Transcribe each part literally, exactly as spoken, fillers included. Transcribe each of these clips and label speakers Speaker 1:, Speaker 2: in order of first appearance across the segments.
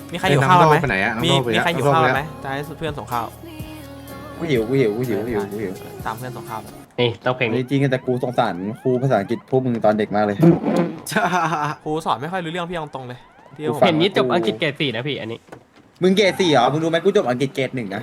Speaker 1: มีใครหิวข้าวไหม
Speaker 2: ไปไหนอะ
Speaker 1: มีมีใครหิวข้าวไหมจะให้เพื่อนส่งข้าว
Speaker 2: กูหิวกูหิวกูหิวกูหิวกูหิว
Speaker 1: ตามเพื่อนส่งข้าว
Speaker 3: นี่ต้องเพลง
Speaker 2: จ
Speaker 3: นี้
Speaker 2: ริงๆแต่กูสงสารครูภาษาอังกฤษพวกมึงตอนเด็กมากเลย
Speaker 1: ครูสอนไม่ค่อยรู้เรื่องพี่ตรงๆเลยพี่ผม
Speaker 3: เห็นนี้จบอังกฤษเกรดสี่นะพี่อันนี้
Speaker 2: มึงเกรดสี่เหรอมึงรู้ไหมกูจบอังกฤษเกรดหนึ่งนะ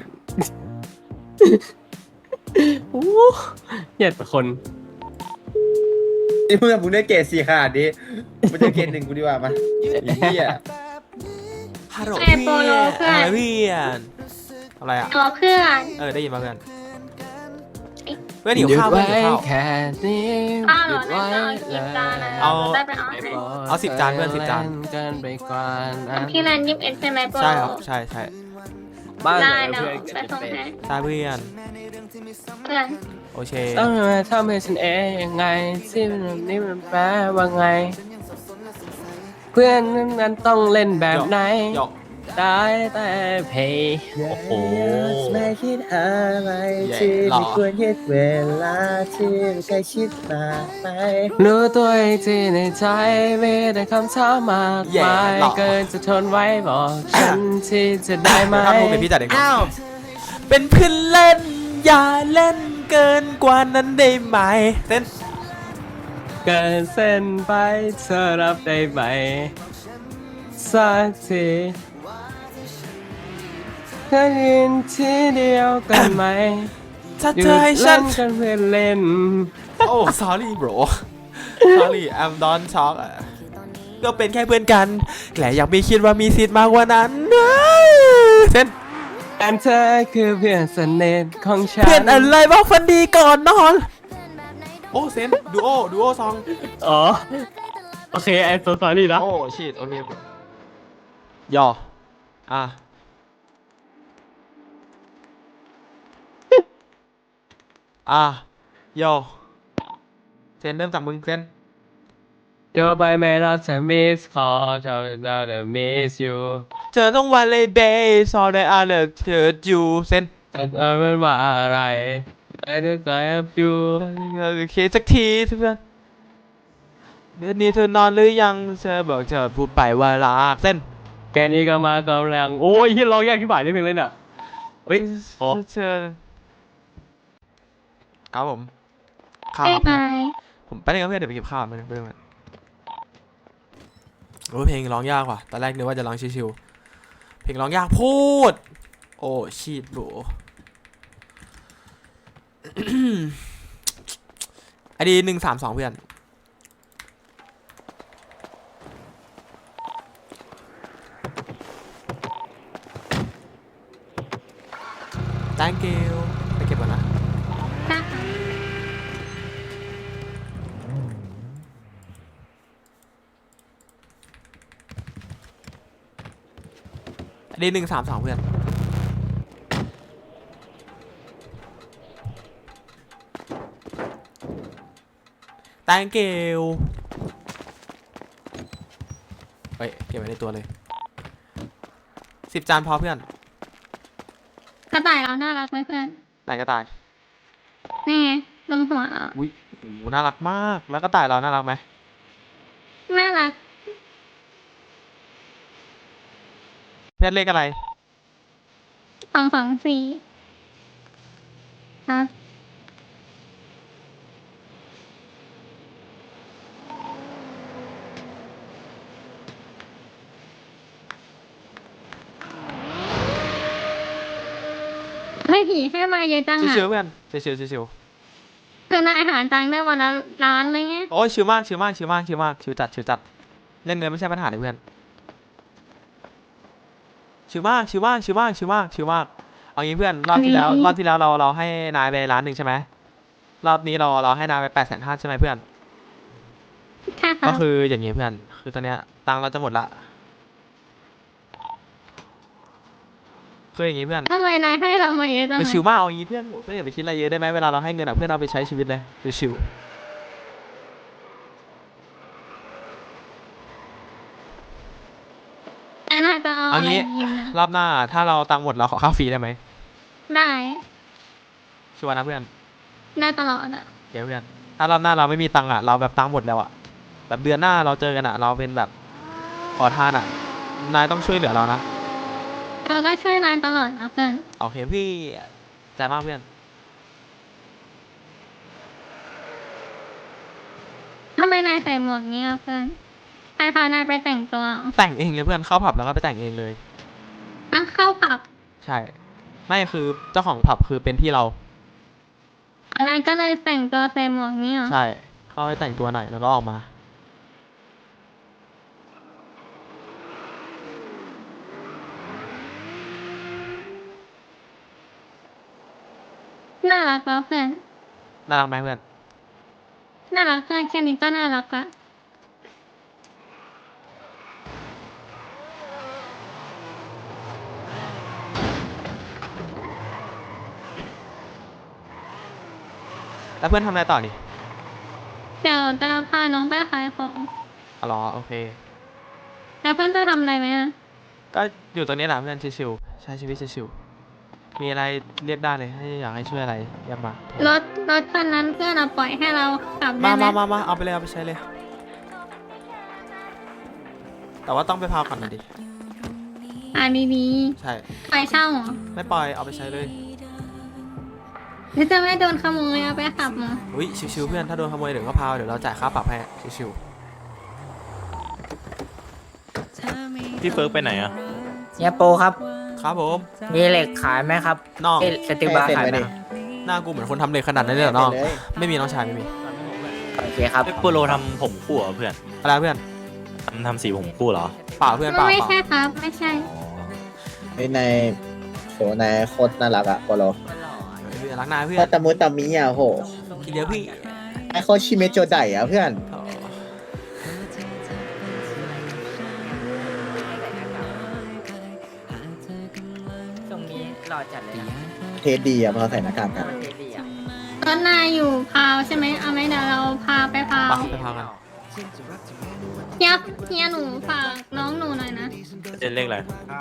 Speaker 3: โอ้เหยียดคน
Speaker 2: นี่มึงมึงได้เกรดสี่ขนาดนี้มึงจะเกรดหนึ่งกูดีกว่ามาไอ้เหี้ย
Speaker 1: ฮัลโหล
Speaker 4: ไอ้
Speaker 1: เพื่
Speaker 4: โปโล
Speaker 1: อน
Speaker 4: เพื่อน
Speaker 1: อะไรเพื่อนอะไรอ่ะ
Speaker 4: ตัวเพื่อน
Speaker 1: เออได้ยินมาเพื่อนเพื่อนหิวข้าวเพื่อนหิวข้าว
Speaker 3: แค่นี้
Speaker 4: อ้าวเห
Speaker 3: ห
Speaker 4: ร
Speaker 3: ยุ
Speaker 4: อ
Speaker 3: ด
Speaker 4: น่า
Speaker 3: ไว้
Speaker 4: จะเอาสิบจานนะ
Speaker 1: เอา
Speaker 4: ได้ไปเอาให้
Speaker 1: เอาสิบจานเพื่อนสิบจาน
Speaker 3: เกินไปกว่านั้น
Speaker 4: พี่แลนยี่สิบเอ็ดใช่ไหมโปโล
Speaker 1: ใช่ครับใช่ใช่
Speaker 3: บ้าน
Speaker 4: ได้
Speaker 3: เรา
Speaker 4: เดี๋ยว
Speaker 3: เพื่อน
Speaker 4: ไปส่งให้
Speaker 1: ใช่เพื่อน
Speaker 4: เพื่อน
Speaker 1: โอเค
Speaker 3: ต้องมาทำให้ฉันเองยังไงที่มันนี่มันแปลว่าไง เพื่อนนั้นต้องเล่นแบบไหน
Speaker 1: หยอก
Speaker 3: ได้แต่เพย์โอ้โห
Speaker 2: ไม่คิดอะไรที่ไม่ควรคิดเวลาที่ใกล้ชิดมากไป
Speaker 3: รู้ตัวอีกทีในใจมีแต่คำถามมาก
Speaker 1: แย่
Speaker 3: มาย
Speaker 1: หรอ
Speaker 3: เกินจะทนไว้บอกฉันที่จะได้ไหม
Speaker 1: ถ้าพูดเป็นพี่จัดเองอ้าวเป็นเพื่อนเล่นอย่าเล่นเกินกว่านั้นได้ไหมเต้น
Speaker 3: เกินเส้นไปเธอรับได้ไหมสักทีแค่ยินทีเดียวกันไหม
Speaker 1: ถ้า
Speaker 3: หยุ
Speaker 1: เธ
Speaker 3: ด
Speaker 1: อให้ฉั
Speaker 3: เล่
Speaker 1: น
Speaker 3: นกันเพื่อนเล่น
Speaker 1: โอ้ sorry bro sorry I'm don't talk อ่ะก็เป็นแค่เพื่อนกันแต่ยังไม่คิดว่ามีสิทธิ์มากกว่านั้นเส้น
Speaker 3: อันเธอคือเพื่อนสนิทของฉัน
Speaker 1: เพื่อนอะไรบอกฟันดีก่อนนอน โอ้เซนดูโอดูโอซอง
Speaker 3: อ๋อ โอเคไอ้ตัวสอรี่นะ
Speaker 1: โอ้ชิดโอเคย่ออ่ะอ่ะย่อเซนเริ่มจากมึงเซน
Speaker 3: เดี๋ยวไปไม่รับจะ miss call จะเราจะ miss you
Speaker 1: เธอต้องวันเลยเบย์ซอได้อ่านเลยเธออยู่เซน
Speaker 3: แต่เธอเป็นว่าอะไร I just love you
Speaker 1: โอเคสักทีเพื่อนเดือนนี้เธอนอนหรือยังเธอบอกเธอพูดไปว่ารักเส้น
Speaker 3: แกนี้ก็มากำลังโอ้ยที่ร้องแยกที่บ่ายได้เพลงเลยน่ะเฮ้ยโอ้
Speaker 1: เธอครับผมข้าว
Speaker 4: เอ้ย
Speaker 1: ครับ
Speaker 4: ไง
Speaker 1: ผมไปเล่นกับเพื่อนเดี๋ยวไปเก็บข้าวมาเพื่อนโอ้เพลงร้องยากว่ะตอนแรกนึกว่าจะร้องชิวๆเพลงร้องยากพูดโอ้ชีดโบ ไอดีหนึ่งสามสองเพื่อน thank you ไปเก็บก่อนนะ
Speaker 4: ได้ค่ะ
Speaker 1: ไอดีหนึ่งสามสองเพื่อน thank you เฮ้ยเก็บไว้ในตัวเลยสิบจานพอเพื่อน
Speaker 4: กระต่ายเราน่ารักไหมเพื่อน
Speaker 1: ไหนกระต่าย
Speaker 4: นี่ไงลงหัวเรา
Speaker 1: อุ้ยโหน่ารักมาก แล้วกระต่ายเราน่ารักไหม
Speaker 4: น่ารัก
Speaker 1: เพื่อนเลขอะไร
Speaker 4: สองสองสี่ครับ ให้ผีให้มาเยอะจังอ่ะ
Speaker 1: ชิวๆเพื่อนชิวๆชิว
Speaker 4: คือนายอาหารตังค์ได้วันละล้านเลยไง
Speaker 1: ๆโอ้ยชิวมากชิวมากชิวมากชิวมากชิวจัดชิวจัดเล่นเงินไม่ใช่ปัญหาเลยเพื่อนชิวมากชิวมากชิวมากชิวมากชิวมากเอางี้เพื่อนรอบที่แล้วรอบที่แล้วเราเราให้นายไปล้านหนึ่งใช่ไหมรอบนี้เราเราให้นายไปแปดแสนห้าใช่ไหมเพื่อน
Speaker 4: ค่ะครั
Speaker 1: ก็
Speaker 4: บ
Speaker 1: คืออย่างงี้เพื่อนคือตอนเนี้ยตังค์เราจะหมดละคืออย่างงี้เพื่อน
Speaker 4: ทำไมนายให้เรามาเยอะจัง
Speaker 1: ไป
Speaker 4: อะ
Speaker 1: ชิวมากเอางี้เพื่อนเพื่อนอย่าไปคิดอะไรเยอะได้ไหมเวลาเราให้เงินอะเพื่อนเอาไปใช้ชีวิตเลยชิว
Speaker 4: แล้วนายจะเอา
Speaker 1: เอา
Speaker 4: อะไร
Speaker 1: งี้
Speaker 4: กินนะ
Speaker 1: รอบหน้าถ้าเราตังค์หมดเราขอข้าวฟรีได้ไหม
Speaker 4: ได้
Speaker 1: ชัวร์นะเพื่อน
Speaker 4: ได้ตลอดอ่ะ
Speaker 1: เดี๋ยวเพื่อนถ้ารอบหน้าเราไม่มีตังค์อ่ะเราแบบตังค์หมดแล้วอ่ะแบบเดือนหน้าเราเจอกันอ่ะเราเป็นแบบขอทานอ่ะนายต้องช่วยเหลือเรานะ
Speaker 4: เราก็ช่วยนายตลอดนะเพื่อน
Speaker 1: โอเคพี่ใจมากเพื่อน
Speaker 4: ทำไมนายใส่หมวกเงี้ยเพื่อนใครพานายไปแต่งตัว
Speaker 1: แต่งเองเลยเพื่อนเข้าผับแล้วก็ไปแต่งเองเลย
Speaker 4: อ่ะเข้าผับ
Speaker 1: ใช่ ไม่คือเจ้าของผับคือเป็นพี่เรา
Speaker 4: นายก็เลยแต่งตัวใส่หมวกเงี้ย
Speaker 1: ใช่ เข้าไปแต่งตัวหน่อยแล้วก็ออกมา
Speaker 4: น่ารักแล้วเพื่อน
Speaker 1: น่ารักไหมเพื่อน
Speaker 4: น่ารักเพื่อนแค่นี้ก็น่ารักละ
Speaker 1: แล้วเพื่อนทำอะไรต่อนี่
Speaker 4: เดี๋ยวจะพาน้องไปขายของ
Speaker 1: อ๋อเหรอโอเค
Speaker 4: แล้วเพื่อนจะทำอะไรไหมอะ
Speaker 1: ก็อยู่ตรงนี้แหละเพื่อนชิวๆใช้ชีวิตชิวๆมีอะไรเรียกได้เลยให้อยากให้ช่วยอะไรเอย่ามาร
Speaker 4: ถรถคันนั้นเพื่อนเอาปล่อยให้เราขับได้
Speaker 1: มา
Speaker 4: ไหม
Speaker 1: มามามาเอาไปเลยเอาไปใช้เลย แต่ว่าต้องไปพาวก่อนนะดิ
Speaker 4: อ่าดี
Speaker 1: ใช่
Speaker 4: ๆไปเช่าเหรอ
Speaker 1: ไม่ปล่อยเอาไปใช้เลย
Speaker 4: หรือจะไม่โดนขโมยเอาไปขับมา
Speaker 1: อุ้ยชิวๆเพื่อนถ้าโดนขโมยเดี๋ยวก็พาวเดี๋ยวเราจ่ายค่าปรับให้ชิว
Speaker 5: พี่เฟิร์กไปไหนอะ
Speaker 2: เนี่ยโปครับ
Speaker 1: ๆครับผม
Speaker 2: มีเหล็กขายไหมครับ
Speaker 1: น้อง
Speaker 2: เอ้ยสติบาร์ขายไหมครับ
Speaker 1: หน้ากูเหมือนคนทำเลยขนาดนั้นเลยเหรอน้อง
Speaker 2: เลย
Speaker 1: ไม่มีน้องชายไม่มี
Speaker 2: โอเคครับ
Speaker 5: เอ้ยโปโลทำผมคู่เหรอเพื่อน
Speaker 1: อะไรเพื่อน
Speaker 5: ทำทำสีผมคู่เหรอ
Speaker 1: เปล่าเพื่อนเปล่า
Speaker 4: ไม่
Speaker 1: เปล่า
Speaker 4: ใช่ครับ ไม่ใช่
Speaker 6: เฮ้ยนายโหนายโคตรน่ารักอะโปโล
Speaker 1: เพื่อนรักนายเพื่อ
Speaker 6: ถ้าน ตะมุตะมิอะโห
Speaker 1: ทีเดียวพี่
Speaker 6: ไอโคตรชิเมโจไดอะเพื่อน
Speaker 2: ตรงนี้รอจัดเลยนะ
Speaker 6: เทสดีอะพอใส่หน้ากากกัน
Speaker 2: เท่ดีอ่ะ
Speaker 4: ก็นายอยู่พาวใช่ไหมเอาไหมเดี๋ยวเราพาไปพาว
Speaker 1: ไปไปพาวกัน
Speaker 4: เฮียเฮียหนูฝากน้องหนูหน่อยนะ
Speaker 5: เล่นเลขอะไร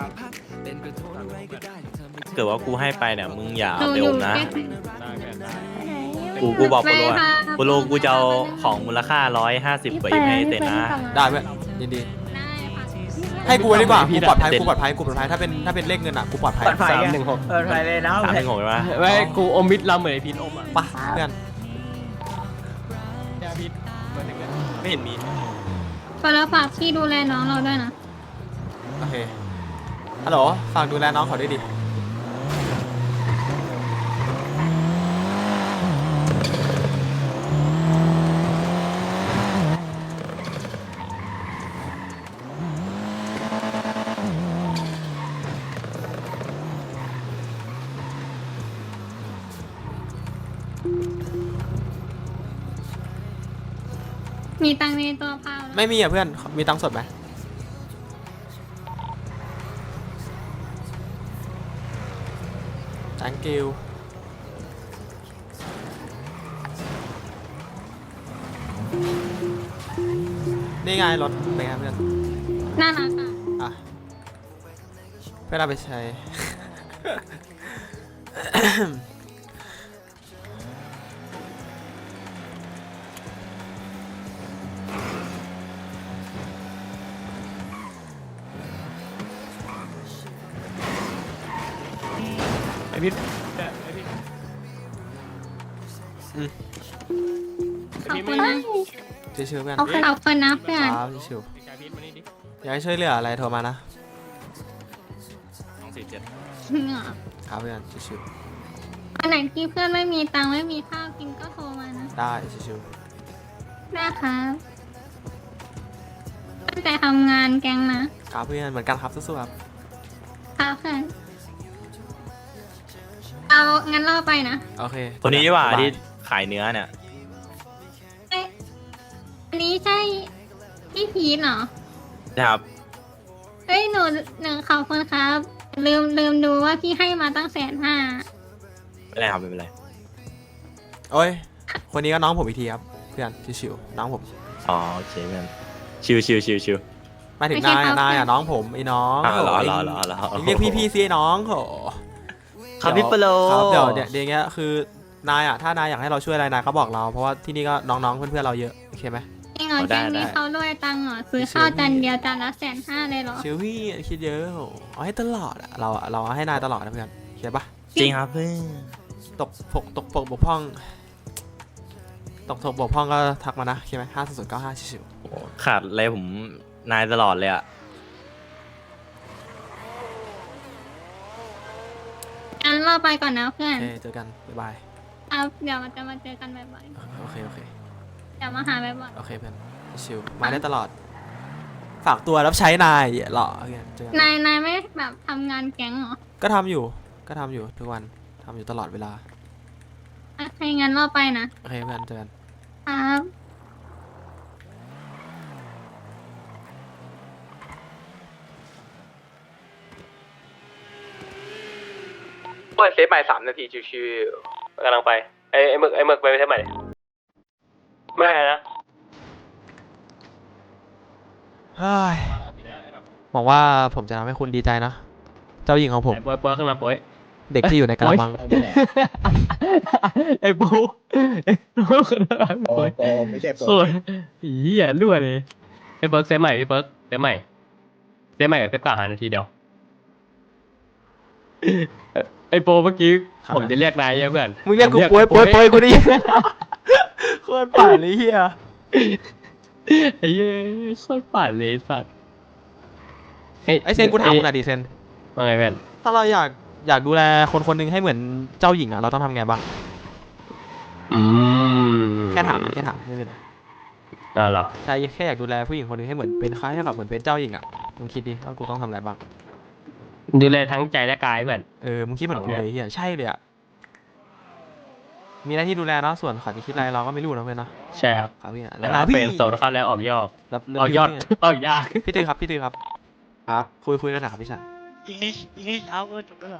Speaker 5: เกิดว่ากูให้ไปเนี่ยมึงอย่า
Speaker 4: หนู
Speaker 5: เอาไป
Speaker 4: อ
Speaker 5: อยู่ มนะ
Speaker 4: ใกล้
Speaker 5: กูกูบอกโปโล
Speaker 4: ไป
Speaker 5: อะ
Speaker 4: ค่ะ
Speaker 5: โปโลกูจะเอาของมูลค่าร้อยห้าสิบกว่าอีกให้เต็นนะ
Speaker 1: ได้เพื่อนยินดี
Speaker 4: ได้ค่ะ
Speaker 1: ให้กูไว้ดีกว่า
Speaker 3: พี่
Speaker 1: กูปลอดภัย
Speaker 5: เต็ม
Speaker 1: กูปลอดภัยกูปลอดภัยถ้าเป็นถ้าเป็นเลขเงินอ่ะกูปลอดภัย
Speaker 2: ปลอดภัย
Speaker 3: สาม
Speaker 2: อะ
Speaker 3: หนึ่งหก
Speaker 2: เปิดไฟเลยนะ
Speaker 5: สามหนึ่งหกใช่ไหม
Speaker 3: ไว้กูอมมิดลำเหมือนไอพีทอมอ่ะ
Speaker 1: ไปเพื่อน
Speaker 3: เนี่ยพีทเหมือนหนึ่งเลย
Speaker 5: ไม่เห็นมี
Speaker 4: ก็แล้วฝากพี่ดูแลน้องเราด้วยนะ
Speaker 1: โอเคฮัลโหลฝากดูแลน้องเขาด้วยดิ
Speaker 4: มีตังค์ในตัวพาวแล้ว
Speaker 1: ไม่มีอ่ะเพื่อนมีตังค์สดไหม thank you นี่ไงรถเป็นไงเพื่อน
Speaker 4: น่ารักอ่ะ
Speaker 1: อ่ะเพื่อนเอาไปใช้
Speaker 3: ไอพีทเนี่ยไอพีท
Speaker 1: อืม
Speaker 4: ขอบคุณนะ
Speaker 1: ชิวๆเพื่อน
Speaker 4: ขอบคุณนะเพื่อน
Speaker 1: ครับชิว
Speaker 3: ไอพีทมานี่ดิ
Speaker 1: ๆอยากให้ช่วยเหลืออะไรโทรมานะ
Speaker 5: สองสี่เจ็ด
Speaker 1: ครับเพื่อนชิว
Speaker 4: อันไหนที่เพื่อนไม่มีตังค์ไม่มีข้าวกินก็โทรมานะ
Speaker 1: ๆได้ชิว
Speaker 4: ได้ครับตั้งใจทำงานแกงนะ
Speaker 1: ๆครับเพื่อนเหมือนกันครับสู้ๆครับ
Speaker 4: ครับเพื่อนเอางั้นเราไปนะ
Speaker 1: โอเค
Speaker 5: ตัวนี้ดีกว่า
Speaker 1: สบย
Speaker 5: ที่ขายเนื้อเนี่ย
Speaker 4: เอ๊ะอันนี้ใช่พี่พีทเหรอ
Speaker 5: นะครับ
Speaker 4: เฮ้ยหนูหนึ่งขอบคุณครับ ลืมลืมดูว่าพี่ให้มาตั้งแสนห้า
Speaker 5: ไม่เป็นไรครับไม่เป็นไร
Speaker 1: โอ้ยคนนี้ก็น้องผมอีกทีครับเพื่อนชิวๆน้องผม
Speaker 5: อ๋อโอเคเพื่อนชิวชิวชิวชิว
Speaker 1: หมายถึงนายอ่ะนายอ่ะน้องผมไอ้น้อง
Speaker 5: อ่าเหรอ
Speaker 1: โย
Speaker 5: เหรอเหรอเหรอ
Speaker 1: เรียกพี่พี่ๆสิไอ้น้องโห
Speaker 5: ครับพี่โปโล
Speaker 1: ครับเดี๋ยวเดี๋ยวเดี๋ยวอย่างเงี้ยคือนายอ่ะถ้านายอยากให้เราช่วยอะไรนายก็บอกเราเพราะว่าที่นี่ก็น้องๆเพื่อนๆเราเยอะโอเคไหม
Speaker 4: จริงเหรอ
Speaker 5: เอาได้
Speaker 4: แกงนี้
Speaker 5: ได้
Speaker 4: เขาด้วยตังค์เหรอซื้อข้าวจานเดียวจานละแสนห้าเลยเหรอ
Speaker 1: ชิวพี่คิดเยอะเอาให้ตลอดอะเราเราเอาให้นายตลอดนะเพื่อนเข้าใจปะ
Speaker 5: จริงครับเพื่อน
Speaker 1: ตกปกตกปกบกพร่อง ตกตกบกพร่องก็ทักมานะใช่ไหมห้าศูนย์เก้าห้าชิว
Speaker 5: โอ้ขาดอะไรผมนายตลอดเลยอะ
Speaker 4: งั้นเราไปก่อนนะเพื่อ
Speaker 1: ๆโอน เคเจอกันบ๊ายบาย
Speaker 4: ครับเดี๋ยวมันจะมาเจอกันบ่อย
Speaker 1: โอเคโอเค
Speaker 4: ๆเดี๋ยวมาหาบ่อย
Speaker 1: โอเคเพื่อนชิวมาได้ตลอด ฝากตัวรับใช้นายเหรอโอเคเจอกัน
Speaker 4: ๆนายนายไม่แบบทำงานแก๊งเหรอ
Speaker 1: ก็ทำอยู่ก็ทำอยู่ทุกวันทำอยู่ตลอดเวลา
Speaker 4: โอเคงั้นเราไปนะ
Speaker 1: โอเคเพื่อนเจอกัน
Speaker 4: ครับ
Speaker 3: เปิดเซฟใหม่สามนาทีชิวๆกำลังไปไอ้ไอ้หมึกไอ้หมึกไปเซฟใหม่ดิไม่นะ
Speaker 1: เฮ้ยหวังว่าผมจะทำให้คุณดีใจนะ เจ้าหญิงของผม
Speaker 3: ไอ้ปอยปอยขึ้นมาปอย
Speaker 1: เด็กที่อยู่ในกระมัง
Speaker 3: ไอ้ปูไอ้ปูขึ้นมา
Speaker 6: โอ้
Speaker 3: ปอย
Speaker 6: โหไม่ใช่โปร
Speaker 3: โอ้ยอีอ่ะรั่วเลยไอ้เบิร์กเซฟใหม่พี่เบิร์กเซฟใหม่เซฟใหม่กับเซฟกลางหานาทีเดียวไอ้โปเมื่อกี้
Speaker 1: ครับ
Speaker 3: ผมจะเรียกนายยังเพื่อน
Speaker 1: มึงเรียกกู
Speaker 3: ผ
Speaker 1: ป่วยป่วยป่วยกูดิ โคตรป่านเลยเฮีย
Speaker 3: ไอ้เหี้ยโคตรปั่นเลยไอ้สัตว์
Speaker 1: ไอเซนกูถามมึงหน่อยดิเซน
Speaker 3: ว่าไงเพื่อน
Speaker 1: ถ้าเราอยากอยากดูแลคนคนหนึงให้เหมือนเจ้าหญิงอะเราต้องทำไงบ้าง
Speaker 3: อืม
Speaker 1: แค่ถามแค่ถามไม่เป็นไร
Speaker 3: อ่าเหรอ
Speaker 1: ใช่แค่อยากดูแลผู้หญิงคนหนึงให้เหมือนเป็นคล้ายๆกับเหมือนเป็นเจ้าหญิงอะมึงคิดดิว่ากูต้องทำอะไรบ้าง
Speaker 3: ดูแลทั้งใจและกายเพื่อน
Speaker 1: เออมึงคิดเหมือนกูเลยเฮียใช่เลยอะมีหน้าที่ดูแลเนาะส่วนเขาจะคิดอะไรเราก็ไม่รู้นะเพื่อนเนาะ
Speaker 3: ใช่ครับ
Speaker 1: ครับพี่อะ
Speaker 3: แล้ว
Speaker 1: นะพี่
Speaker 3: เป็นโซนเข้าแล้วออกยอด
Speaker 1: รับเรื่
Speaker 3: ออกยอด
Speaker 1: พี่
Speaker 3: ออกยาก
Speaker 1: พี่ตื้อครับพี่ตื้อครับ
Speaker 6: ครับ
Speaker 1: คุยคุยกันหน่อยครับพี่ชาย
Speaker 5: อิงลิชอิงลิชเอาเออจบแล้วเหรอ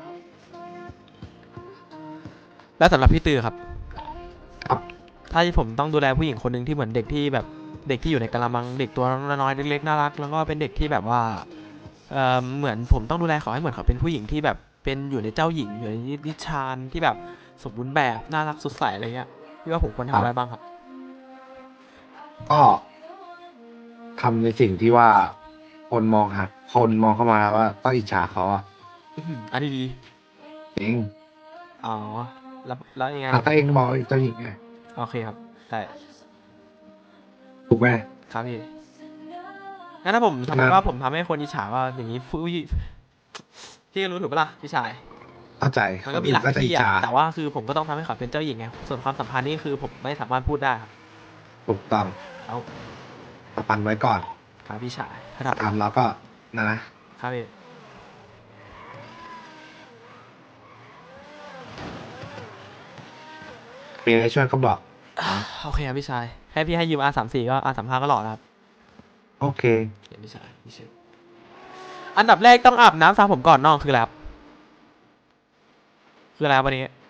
Speaker 1: แล้วสำหรับพี่ตื้อครับ
Speaker 6: ครับ
Speaker 1: ถ้าผมต้องดูแลผู้หญิงคนหนึ่งที่เหมือนเด็กที่แบบเด็กที่อยู่ในกะละมังเด็กตัวน้อยๆเล็กๆน่ารักแล้วก็เป็นเด็กที่แบบว่าเออเหมือนผมต้องดูแลเขาให้เหมือนเขาเป็นผู้หญิงที่แบบเป็นอยู่ในเจ้าหญิงอยู่ในนิทานที่แบบสมบูรณ์แบบน่ารักสดใสอะไรเงี้ยพี่ว่าผมควรทำอะไรบ้างครับ
Speaker 7: ก็ทำในสิ่งที่ว่าคนมองหาคนมองเข้ามาว่าต้องอิจฉาเขาอ่ะ
Speaker 1: อื้อหืออันนี้ดี
Speaker 7: เอง
Speaker 1: อ๋อแล้วแล้วยังไง
Speaker 7: ถ้าเองมองเจ้าหญิงไง
Speaker 1: โอเคครับได้
Speaker 7: ถูกไหม
Speaker 1: ครับพี่งั้นถ้าผมสมมติว่าผมทำให้คนอิจฉาว่าอย่างนี้ผู้พี่ก็รู้ถูกปะล่ะพี่ชาย
Speaker 7: เข้าใจ
Speaker 1: มันก็มีหลาย
Speaker 7: คนอื่นก็จะ
Speaker 1: ที่
Speaker 7: อิจ
Speaker 1: อะ
Speaker 7: ฉา
Speaker 1: แต่ว่าคือผมก็ต้องทำให้เขาเป็นเจ้าหญิงไงส่วนความสัมพันธ์นี่คือผมไม่สามารถพูดได้ครับ
Speaker 7: ถูกต้อง
Speaker 1: เอา
Speaker 7: ตะปันไว้ก่อน
Speaker 1: ครับพี่ชายครับ
Speaker 7: ตามแล้วก็นะนะครับ
Speaker 1: พี่
Speaker 7: มีอะไรช่วยก็บอก
Speaker 1: โอเคครับพี่ชายให้พี่ให้ยืม อาร์ สามสิบสี่ ก็ อาร์ สามสิบห้า ก็หล่อนะครับ
Speaker 7: โอเค
Speaker 1: เดี๋ยวพี่ชายพี่ชายอันดับแรกต้องอาบน้ำสระผมก่อนนอกคืออะไรครับคืออะไรครับวันนี้